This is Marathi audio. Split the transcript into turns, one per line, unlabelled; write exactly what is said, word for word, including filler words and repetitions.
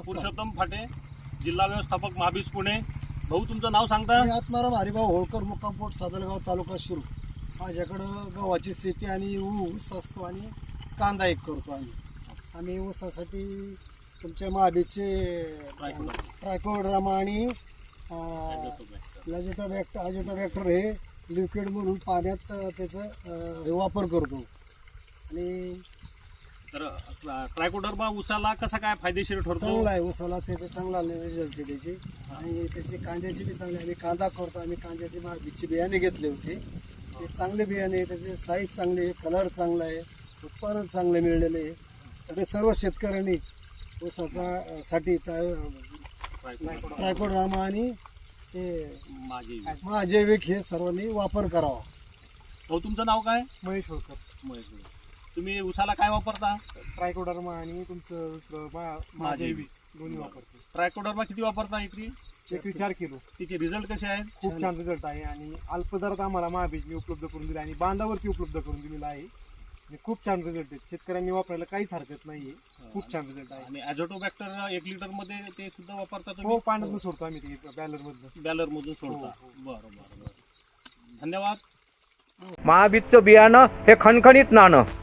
पुरुषोत्तम फाटे, जिल्हा व्यवस्थापक महाबीज पुणे. भाऊ तुमचं नाव सांगता?
मी आत्माराम हरिभाऊ होळकर, मुक्काम पोस्ट सादलगाव, तालुका शिरूर. माझ्याकडं गव्हाची शेती आणि ऊस असतो आणि कांदा एक करतो आम्ही. आम्ही ऊसासाठी तुमच्या महाबीजचे ट्रायकोड्रामा आणि अजिटा बॅक्टर अजिटा बॅक्टर हे लिक्विड म्हणून पाण्यात त्याचा हे वापर करतो. आणि
तर ट्रायकोडर्मा ऊसाला कसा काय फायदेशीर ठरतो?
चांगला आहे ऊसाला, त्याचा चांगला रिझल्ट आहे त्याची. आणि त्याची कांद्याची बी चांगली, आम्ही कांदा करतो. आम्ही कांद्याची महाबीजची बियाणे घेतले होते, ते चांगले बियाणे आहे. त्याचे साईज चांगली आहे, कलर चांगला आहे, उत्पादन चांगले मिळलेले आहे. तर सर्व शेतकऱ्यांनी ऊसाचा साठी ट्रायकोड्रामा आणि हे महाजैविक हे सर्वांनी वापर करावा.
भाऊ तुमचं नाव काय?
महेश होळकर.
महेश. तुम्ही ऊसाला काय वापरता?
ट्रायकोडर्मा आणि तुमचं दुसरं महाजैविक दोन्ही वापरतो.
ट्रायकोडर्मा किती वापरता एकरी?
एकरी चार किलो.
तिचे रिझल्ट कसे आहेत?
खूप छान रिझल्ट आहे. आणि अल्प दरात आम्हाला महाबीजनी उपलब्ध करून दिला आणि बांधावरती उपलब्ध करून दिलेला आहे. आणि खूप छान रिझल्ट आहे. शेतकऱ्यांनी वापरायला काहीच हरकत नाहीये. खूप छान रिझल्ट आहे.
आणि अझोटो बॅक्टर एक लिटर मध्ये ते सुद्धा वापरता
हो,
तुम्ही?
पाण्यातून सोडतो आम्ही ते बॅलर मधून.
बॅलर मधून सोडता. बरं बरं. धन्यवाद.
महाबीजचं बियाणं हे खणखणीत नाणं.